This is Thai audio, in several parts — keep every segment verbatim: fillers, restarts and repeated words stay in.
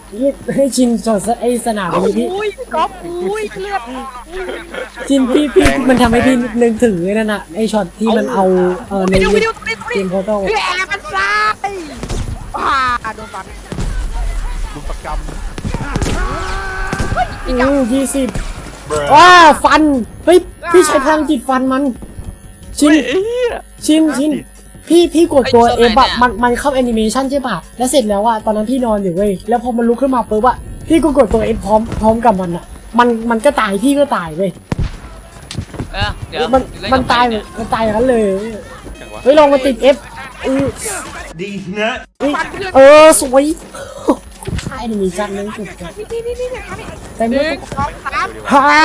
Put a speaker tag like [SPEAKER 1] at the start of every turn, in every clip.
[SPEAKER 1] นี่ให้ชินจอดไอสนามนี้พี่
[SPEAKER 2] อุ้ยก๊อฟอุ้ยเลือด
[SPEAKER 1] ชินพี่พี่มันทำให้พี่นึกถึงไอ้นั่นน่ะไอช็อตที่มันเอาเออในเกมโพสต์
[SPEAKER 2] แหมมันซ้ายว้าโดนฟัน
[SPEAKER 3] ลุมประก
[SPEAKER 1] อือยี่สิบว้าฟันเฮ้ยพี่ใช้พลังจิตฟันมันชินชินชินพี่พี่กดตัวเอฟอะมันมันเข้าแอนิเมชันใช่ป่ะแล้วเสร็จแล้วอะตอนนั้นพี่นอนอยู่เว้ยแล้วพอมันลุกขึ้นมาปุ๊บอะพี่ก็กดตัวเอฟพร้อมพร้อมกับมันอะมันมันก็ตายพี่ก็ตายเว้ย
[SPEAKER 4] เออเดี๋ยว
[SPEAKER 1] มันมันตายมันตายอย่างนั้นเลย
[SPEAKER 3] จังวะ
[SPEAKER 1] เฮ้ยลองมาติดเอฟเออ
[SPEAKER 5] ดีนะ
[SPEAKER 1] เออสวยใช่แอนิเมชันนั้นสุดยอด
[SPEAKER 2] นี่นี่นี่นี่นี่
[SPEAKER 1] แต่
[SPEAKER 2] ห
[SPEAKER 1] เมื่
[SPEAKER 2] นึ่
[SPEAKER 1] อง
[SPEAKER 2] สองสาม
[SPEAKER 1] ฮ่า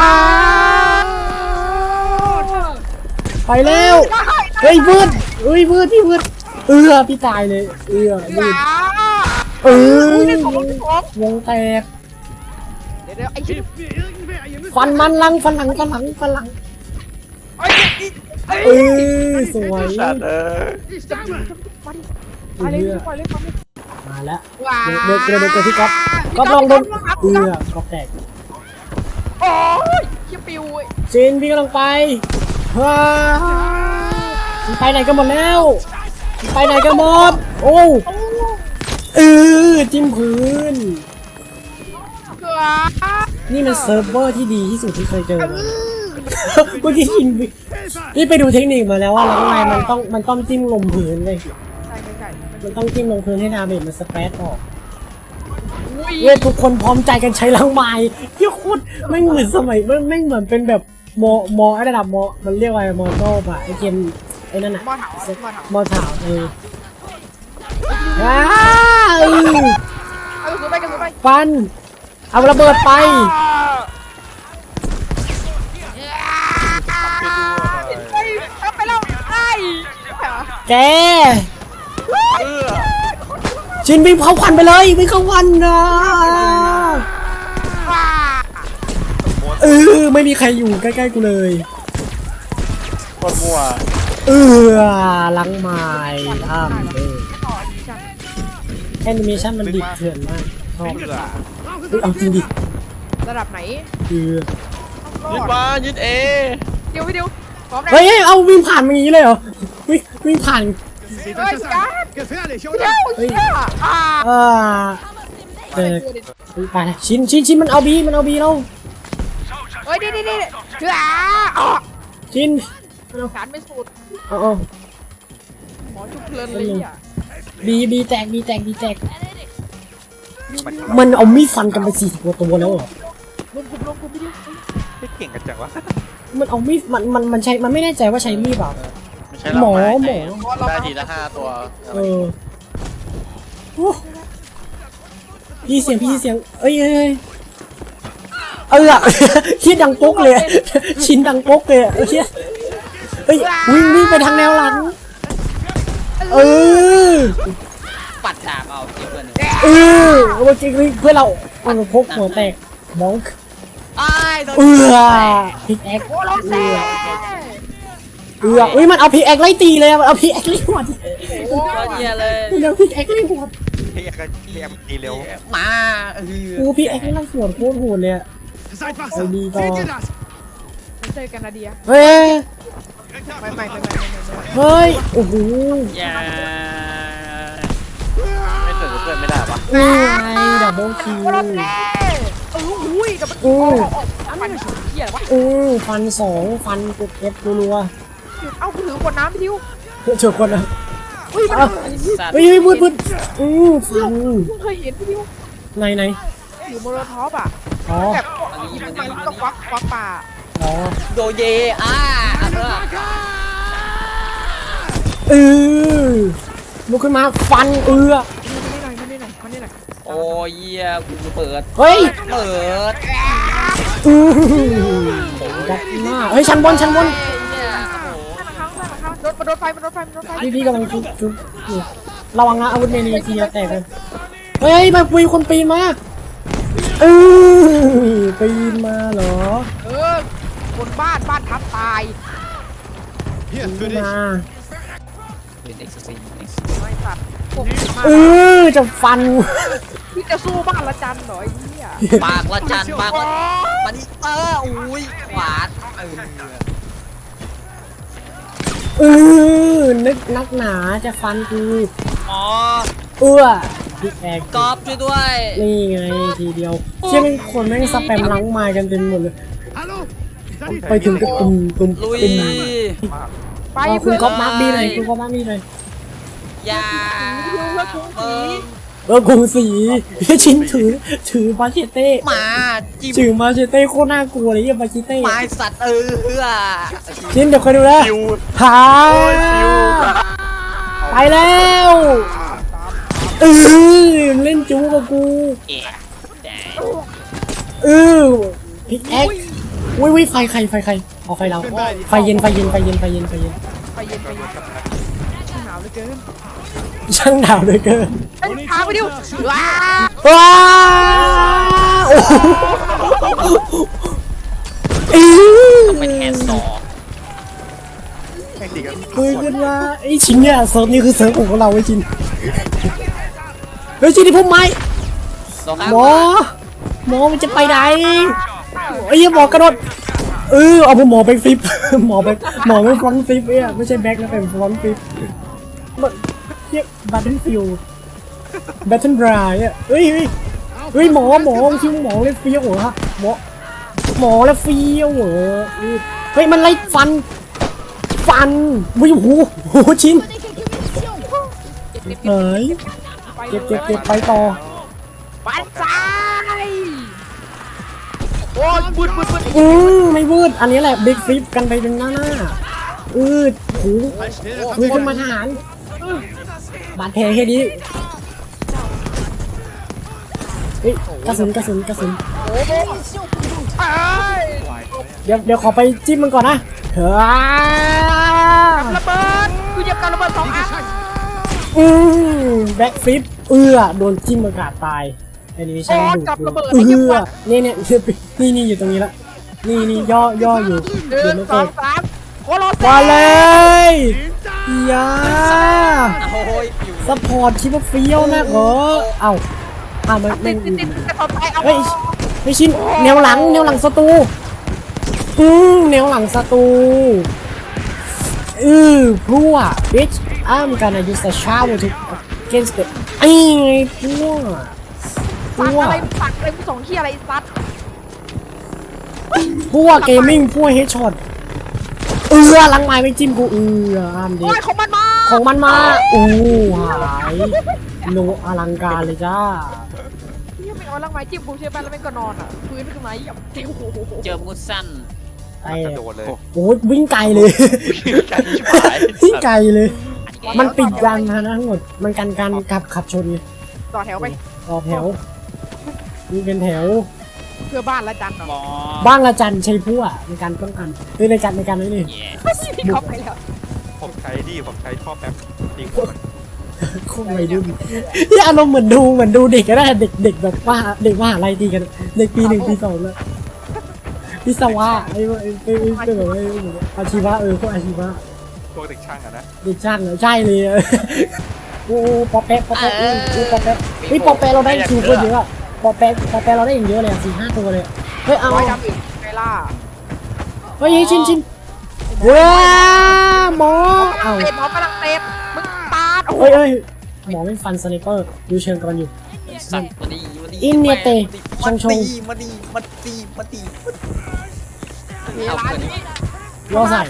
[SPEAKER 1] ไปแล้วเฮ้ยวืดเฮ้ยวืดพี่วืดเออพี่ตายเลยเออวืดเออวงแตก
[SPEAKER 2] เดี๋ยวเดี๋ยวไอ้ชิ้น
[SPEAKER 1] ฟันมันลังฟันหลังฟันหลังฟันหลัง
[SPEAKER 2] ไอ้ไอ้
[SPEAKER 1] เออสวย
[SPEAKER 3] สัตว์เออ
[SPEAKER 2] มาดิมาเลยมาเลยมาเลย
[SPEAKER 1] มาแล้ว
[SPEAKER 2] ว้า
[SPEAKER 1] เดินเดินเดินเจอพี่ก๊อฟก๊อฟลองโดนเออก๊อฟแตก
[SPEAKER 2] โอ้ยเขี้ยวปิว
[SPEAKER 1] จีนพี่กำลังไปว้ามันไปไหนกันหมดแล้วมันไปไหนกันหมดโอ้เออจิ้มพื้น
[SPEAKER 2] เกลือ
[SPEAKER 1] นี่มันเซิร์ฟเวอร์ที่ดีที่สุดที่เคยเจอมาเมื่อกี้ชินนี่ไปดูเทคนิคมาแล้วว่าแล้วไงมันต้องมันต้องจิ้มลงพื้นเลย
[SPEAKER 2] ใช่ใช่ใช่
[SPEAKER 1] มันต้องจิ้มลงพื้นให้ดาเมจมันสเปรดออก
[SPEAKER 2] อุ้ย
[SPEAKER 1] เว้ยทุกคนพร้อมใจกันใช้ล้างไม้ที่โคตรไม่เหมือนสมัยไม่ไม่เหมือนเป็นแบบมอมอระดับมอมันเรียกว่าอะไรมอโต้ป่ะไอเกมไอ้นั่นอะ
[SPEAKER 2] มอถาวมอถาว
[SPEAKER 1] มอถาวเอออ้าเออ
[SPEAKER 2] เอากระสุนไปกระสุนไป
[SPEAKER 1] ฟันเอาระเบิดไป
[SPEAKER 2] เฮ้ยทำไปแล้วไอ้
[SPEAKER 1] แกชินวิ่งเข้าควันไปเลยวิ่งเข้าควันนะ
[SPEAKER 2] ว้า
[SPEAKER 1] เออไม่มีใครอยู่ใกล้ๆกูเลย
[SPEAKER 3] โคตรมั่ว
[SPEAKER 1] เออลังไม้อ้ามเออแอนิเมชันมันดิบเถื่อนมากชอบ
[SPEAKER 3] เบื่อ
[SPEAKER 1] เฮ้ยเอาจริงดิ
[SPEAKER 2] ระดับไหน
[SPEAKER 1] เออ
[SPEAKER 3] ยึดมายึดเอ
[SPEAKER 2] เดี๋ยวเดี๋ยวพร้อมนะ
[SPEAKER 1] เฮ้ยเอาวิ่งผ่านมาอย่างนี้เลยเหรอวิ่งวิ่งผ่าน
[SPEAKER 2] เฮ้ยจ้า
[SPEAKER 5] Gefährlich,
[SPEAKER 2] เดี๋ยวเฮ้ยอ่า
[SPEAKER 1] อ่าเออไปเลยชินชินชินมันเอาบีมันเอาบีเรา
[SPEAKER 2] เฮ้ยนี่นี่นี่เฮ้ยอ่ะ
[SPEAKER 1] ชิน
[SPEAKER 2] การไม่สุด
[SPEAKER 1] เอาเอา
[SPEAKER 2] หมอจุกเพลินเลยอ่ะ
[SPEAKER 1] บีบีแตกบีแตกบีแตกมันเอามีดฟันกันไปสี่สิบกว่าตัวแล้วเหรอ
[SPEAKER 2] ลงกลุ่มลงกลุ่มไปดิ
[SPEAKER 3] ไม่เก่งกันจังวะ
[SPEAKER 1] มันเอามีดมันมันมันใช้มันไม่แน่ใจว่าใช้มีดเปล่า
[SPEAKER 3] ไม่ใช่
[SPEAKER 1] หมอ
[SPEAKER 3] เรา
[SPEAKER 1] หมอ
[SPEAKER 3] ได้ทีละห้าตัว
[SPEAKER 1] เออโอ้พี่เสียงพี่เสียงเอ้ยเอ้ยเออคิดดังปุ๊กเลยชินดังปุ๊กเลยเออเฮ้ยวิ่งวิ่งไปทางแนวหลังเออ
[SPEAKER 4] ปัดดาบเอาเก็บเงิน
[SPEAKER 1] เออเมื่อกี้เพื่อนเราเอาพกหัวแตกมอง
[SPEAKER 4] ไอ้โดน
[SPEAKER 1] เออพิกแอค
[SPEAKER 2] โอ้ลง
[SPEAKER 1] เอ
[SPEAKER 2] แซ่
[SPEAKER 1] อเอออุ้ยมันเอาพิกแอคไล่ตีเลยมันเอาพิกแอคไล่หัว
[SPEAKER 4] โอ้ยเหี้ยเลย
[SPEAKER 1] มันเอาพิกแอคไล่หัว
[SPEAKER 3] เฮียกันเฮียมันตีเร็ว
[SPEAKER 4] มาเออ
[SPEAKER 1] กูพิกแอคไล่หัวโคตรโหดเลย
[SPEAKER 5] Seid
[SPEAKER 1] Ey,
[SPEAKER 5] wachsam.
[SPEAKER 1] Liga.
[SPEAKER 5] Seht ihr das?
[SPEAKER 2] เจอกันนาเดีย
[SPEAKER 1] เฮ้ย
[SPEAKER 2] ไม่ไม่ไม่ไม่ไม่
[SPEAKER 1] เฮ้ยโอ้โห
[SPEAKER 4] อย่า
[SPEAKER 3] ไม่เสร็จเกินไม่ได้ปะ
[SPEAKER 1] นี่ไงดับเบิลคิว
[SPEAKER 2] โอ้ลงแซ่เอออุ้ยกับมันโอ้มันเหี้ยอะไรวะ
[SPEAKER 1] อือฟันสองฟันกดเอฟรัว
[SPEAKER 2] เอ้ากูถือขวดน้ำพี่ทิว
[SPEAKER 1] ๆเจอคนนะ
[SPEAKER 2] อุ้ยมัน
[SPEAKER 4] สัตว์
[SPEAKER 1] เฮ้ยเฮ้ยพูดพูดอือฟัน
[SPEAKER 2] เพิ่งเคยเห็นพี่ทิว
[SPEAKER 1] ไหนไหน
[SPEAKER 2] อยู่โมโลท็อปอ่ะ
[SPEAKER 1] อ๋อ
[SPEAKER 2] แบบมันมันก็ควักควักป่า
[SPEAKER 1] อ๋อ
[SPEAKER 4] โดเยอ่าเออ
[SPEAKER 1] เออลุกขึ้นมาฟันเอือ
[SPEAKER 2] มันนี่หน่อยมันนี่หน่อยมันนี่หน่อย
[SPEAKER 4] โอ้ยเหี้ยกูเปิด
[SPEAKER 1] เฮ้ย
[SPEAKER 4] เปิด
[SPEAKER 1] อือดับหน้าเฮ้ยชั้นบนชั้นบน
[SPEAKER 4] เนี่ยโอ้โห
[SPEAKER 2] โดนโดนไฟมันโดนไฟมันโดนไฟ
[SPEAKER 1] พี่พี่กำลังชุบชุบอยู่ระวังนะอาวุธเมนีทีจะแตกเลยเฮ้ยมาปีคนปีนมาเออปีนมาเหรอ
[SPEAKER 2] เออบนบ้านบ้านทับตาย
[SPEAKER 5] Hier,
[SPEAKER 1] ปี
[SPEAKER 5] für
[SPEAKER 1] น
[SPEAKER 5] dich.
[SPEAKER 1] มา
[SPEAKER 4] เป็นเอ็กซ์ซี
[SPEAKER 2] ไม่สัตว์พวก
[SPEAKER 1] เออจะฟัน
[SPEAKER 2] พี่จะสู้บ้านละจันเหรอไอ้เหี้ย
[SPEAKER 4] ปากละจันปากละมันนี่เอออุ้ยขวานเออ
[SPEAKER 1] เออนึกนักหนาจะฟันกู
[SPEAKER 4] หมอ
[SPEAKER 1] เอื้อพี่แอก
[SPEAKER 4] กอบช่วยด้วย
[SPEAKER 1] นี่ไงทีเดียวเชื่อเป็นคนแม่งสแปมล้างไม้กันเต็มหมดเลย
[SPEAKER 5] Hello? Is that it?
[SPEAKER 1] ไปถึงก็ตุ่มตุ่ม
[SPEAKER 4] ลุย
[SPEAKER 1] ตุ่ม
[SPEAKER 2] ไป
[SPEAKER 1] เอาคุ
[SPEAKER 2] เพื่
[SPEAKER 1] ณ
[SPEAKER 2] อน
[SPEAKER 1] ก๊อฟมาร์คบีหน่อยคุณก๊อฟมาร์คบีหน่อย
[SPEAKER 4] อย่า
[SPEAKER 2] เพื่อนกรุงศรี
[SPEAKER 4] เออ
[SPEAKER 1] เออกรุงศรีชินถือถือมาเชเต้
[SPEAKER 4] หมาจิ้ม
[SPEAKER 1] ถือมาเชเต้โคตรน่ากลัวเลยยี่มาเชเต้
[SPEAKER 4] หมาสัตว์เออ
[SPEAKER 1] ชินเดี๋ยวคอยดูนะ
[SPEAKER 3] คิว
[SPEAKER 1] หาไปแล้วเออเล่นจูกับกู
[SPEAKER 4] เอ๊ะแดง
[SPEAKER 1] เออพิกแอ็กวิวิไฟใครไฟใครเอาไฟเราไฟเย็นไฟเย็นไฟเย็นไฟเย็นไฟเย็น
[SPEAKER 2] ไปเย็นไปเย็นหนาวเหลือเกิน
[SPEAKER 1] ช่างหนาวเหลยเกิน
[SPEAKER 2] เฮ้ยพาไปดิวว้า
[SPEAKER 1] ว้าวโอ้โหเอ้ย
[SPEAKER 4] ไปแทนสอง
[SPEAKER 3] แข่งตีกัน
[SPEAKER 1] คุยกันว่าไอ้ชินเนี่ยเซิร์ฟนี่คือเซิร์ฟของเราไอ้ชินเฮ้ยชินที่พุ่มไม้
[SPEAKER 4] สองครับ
[SPEAKER 1] หมอหมอมันจะไปไหนไอ้ยหมอกระโดดเออเอาหมอไปฟลิป หมอไปหมอไปฟรอนต์ฟลิปเอ้ยไม่ใช่แบ็คนะเป็นฟรอนต์ฟลิปมันเรียกบัตเทิลฟิลบัตเทิลบรายอ่ะเฮ้ยเฮ้ยเฮ้ยหมอหมอชื่อหมอเลยเฟี้ยวเหรอฮะหมอหมอแล้วเฟี้ยวเหรอเออเฮ้ยมันไล่ฟันฟันวิวหูหูชิ้นเฮ้ยเก็บเก็บเก็บไปต่อ
[SPEAKER 2] ปันซ้ายโอ้ยบุดบุดบุด
[SPEAKER 1] อืมไม่วืดอันนี้แหละบิ๊กฟลิปกันไปเป็นหน้าหน้าอืดหู
[SPEAKER 5] I still
[SPEAKER 1] คุยขึ้นมาทหารบาดแผลแค่นี้เฮ้ยกระสุนกระสุนกระสุน
[SPEAKER 2] เอ้ย
[SPEAKER 1] เดี๋ยวเดี๋ยวขอไปจิ้มมันก่อนนะเฮ้ย
[SPEAKER 2] ระเบิดกูเหยียบการระเบิดสองอัน
[SPEAKER 1] อืมแบ็คฟลิปเอื้อโดนจิ้มอากาศตายแอนิเมชั่นดูเอื้อเนี่ยเนี่ยนี่นี่อยู่ตรงนี้ละนี่นี่ย่อย่ออยู่
[SPEAKER 2] หนึ่
[SPEAKER 1] เดี๋ยว
[SPEAKER 2] ง
[SPEAKER 1] ไม่
[SPEAKER 2] ส
[SPEAKER 1] เกิ
[SPEAKER 2] อง
[SPEAKER 1] ด
[SPEAKER 2] สามโคโลเซ
[SPEAKER 1] มาเลยอยา
[SPEAKER 4] โอ้ยอยู่
[SPEAKER 1] ซัพพอร์ตคิดว่าเฟี้ยวนะเหรอเอ้าอ้าวมัน
[SPEAKER 2] ติ
[SPEAKER 1] ไม่
[SPEAKER 2] ดติดติดติดต่อไปเอา
[SPEAKER 1] เฮ้ยไม่ชินแนวหลังแนวหลังศัตรูอืมแนวหลังศัตรูอือพรั่ว bitch I'm gonna use the shower to against the ไอ้ไงพรั่วพ
[SPEAKER 2] ปัก
[SPEAKER 1] รั่ว
[SPEAKER 2] อะไรปักอะไรกูสองขี้อะไรซัด
[SPEAKER 1] พรั่วเกมมิ่งพรั่วเฮดช็อตเออหลังไม้ไม่จิ้มกูเอออ้ามดิ
[SPEAKER 2] โอ้ยของมันมา
[SPEAKER 1] ของมันมาอู้หายโนอลังการเลยจ้า
[SPEAKER 2] เฮียไม่เอาลังไม้จิ้มกูใช่ไหมแล้วแม่งก็นอนอ่ะพื้นขึ้นมาเหยียบเจ้าโอ้โห
[SPEAKER 4] เจอมุดสั้น
[SPEAKER 1] ไอ้
[SPEAKER 3] กระโดดเลย
[SPEAKER 1] โอ้ยวิ่งไกลเลย
[SPEAKER 3] กันชิบหาย
[SPEAKER 1] วิ่งไกลเลย มันปิดยานพาหนะทั้งหมด มันกันการขับขับชนไง
[SPEAKER 2] ต่อแถวไป
[SPEAKER 1] ต่อแถวมีเป็นแถว
[SPEAKER 2] เพื่อบ้านละจันเนาะ
[SPEAKER 4] หมอ
[SPEAKER 1] บ้างละจันใช้พั่วในการป้องกันเฮ้ยในการในการนี่นี่
[SPEAKER 4] แย่
[SPEAKER 2] พี่เขาไปแล้ว
[SPEAKER 3] ผมใช้ดิผมใช้ท่อแป๊บจริงมัน
[SPEAKER 1] โคตรวัยรุ่นที่อารมณ์เหมือนดูเหมือนดูเด็กก็ได้เด็กเด็กแบบว่าเด็กมหาลัยตีกันเด็กปีหนึ่งปีสองแล้ววิศวะไอ้ไอ้ไอ้ไอ้ไอ้แบบว่าไอ้อาชีวะเออพวกอาชีวะ
[SPEAKER 3] พวกเด็กช่างอะนะ
[SPEAKER 1] เด็กช่างเหรอใช่เลยอะโอ้ปอแป๊ะปอแป๊ะโอ้โอ้ปอแป๊ะเฮ้ยปอแป๊ะเราได้คิวคนเยอะอะปอแป๊ะปอแป๊ะเราได้อย่างเยอะเลยอะสี่ห้าตัวเลยเฮ้ยเอา
[SPEAKER 2] ร้อยดำอีกไงล่ะ
[SPEAKER 1] เฮ้ยชินชินว้าหมอเอา
[SPEAKER 2] เตะหมอกำลังเตะมึงปาดโอ้โห
[SPEAKER 1] เฮ้ยเฮ้ยหมอไม่ฟันสไนเปอร์ดูเชิงกันอยู่
[SPEAKER 4] สัตว์มาดีมาดี
[SPEAKER 1] อินเนเตชงชง
[SPEAKER 4] มาดีมาดีมาดี
[SPEAKER 2] เวลานี้
[SPEAKER 1] ล่อใส่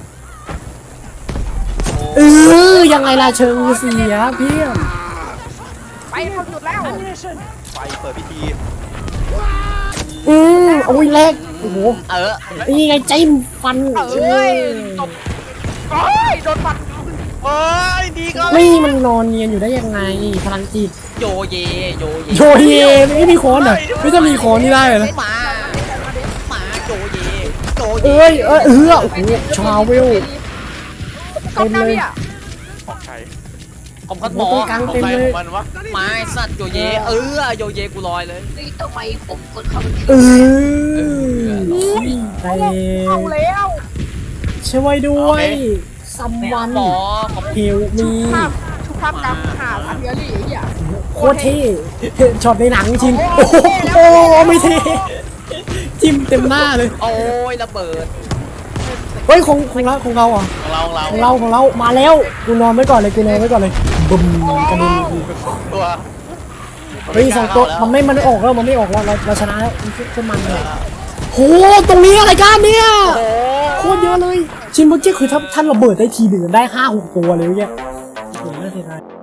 [SPEAKER 1] เออยังไงล่ะเชิงเสียเพี่อน
[SPEAKER 2] ไปเข้าจุดแล้ว
[SPEAKER 3] ไฟเปิดพิธี
[SPEAKER 1] อืมโอ้ยแรกโอ้โห
[SPEAKER 4] เออ
[SPEAKER 1] นี่ไงจิ้มฟัน
[SPEAKER 2] เอ้ยตบโอ้ยโดนฟัน
[SPEAKER 3] โอ้ยดีก็
[SPEAKER 1] นี่มันนอนเนียนอยู่ได้ยังไงพลังจิต
[SPEAKER 4] โยเยโยเย
[SPEAKER 1] โยเยไม่มีโคนเหรอไม่จะมีโคนนี่ได้เหรอ
[SPEAKER 4] หมาหมาโยเยโยเย
[SPEAKER 1] เอ้ยเอ้ยเออโอ้โหชาวเวล
[SPEAKER 2] เต็มเลยอ่ะ
[SPEAKER 3] ของใคร
[SPEAKER 4] ผมคัดหมอ
[SPEAKER 1] ตรงกลาง
[SPEAKER 3] ของ
[SPEAKER 1] เต็ม
[SPEAKER 3] ใคร
[SPEAKER 1] เล
[SPEAKER 3] ข
[SPEAKER 1] ย
[SPEAKER 3] องมันวะ
[SPEAKER 4] ไม้สัตว์โยเยเออโยเยกูลอยเลย
[SPEAKER 1] เออแต่
[SPEAKER 2] เอาแล้ว
[SPEAKER 1] ช่วยด้วยซัมวัน
[SPEAKER 4] หมอผม
[SPEAKER 1] เฮลมี
[SPEAKER 2] ภาพชุดภาพกรรมหาอันเดียรี่ไอ้เหี้ย
[SPEAKER 1] คโคตรเท่ช็อตในหนังชินโอ้โหโอ้โหไม่เท่จิ้มเต็มหน้าเลย
[SPEAKER 4] โอ้ยระเบิด
[SPEAKER 1] เฮ้ยของของเราของเราอ่ะ
[SPEAKER 3] ของเราของเรา
[SPEAKER 1] ของเราของเรามาแล้วกูนอนไว้ก่อนเลยกูนอนไว้ก่อนเลยบึ้มกระเด็น
[SPEAKER 3] ตัว
[SPEAKER 1] เฮ้ยสองตัวมันไม่มันไม่ออกแล้วมันไม่ออกแล้วเราเราชนะแล้วมันขึ้นมันเลยโหตรงนี้อะไรกันเนี่ยโคตรเยอะเลยชินเมื่อกี้คือถ้าท่านระเบิดได้ทีหนึ่งได้ห้าหกตัวเลยเนี่ยโอ้โหน่าเสียดาย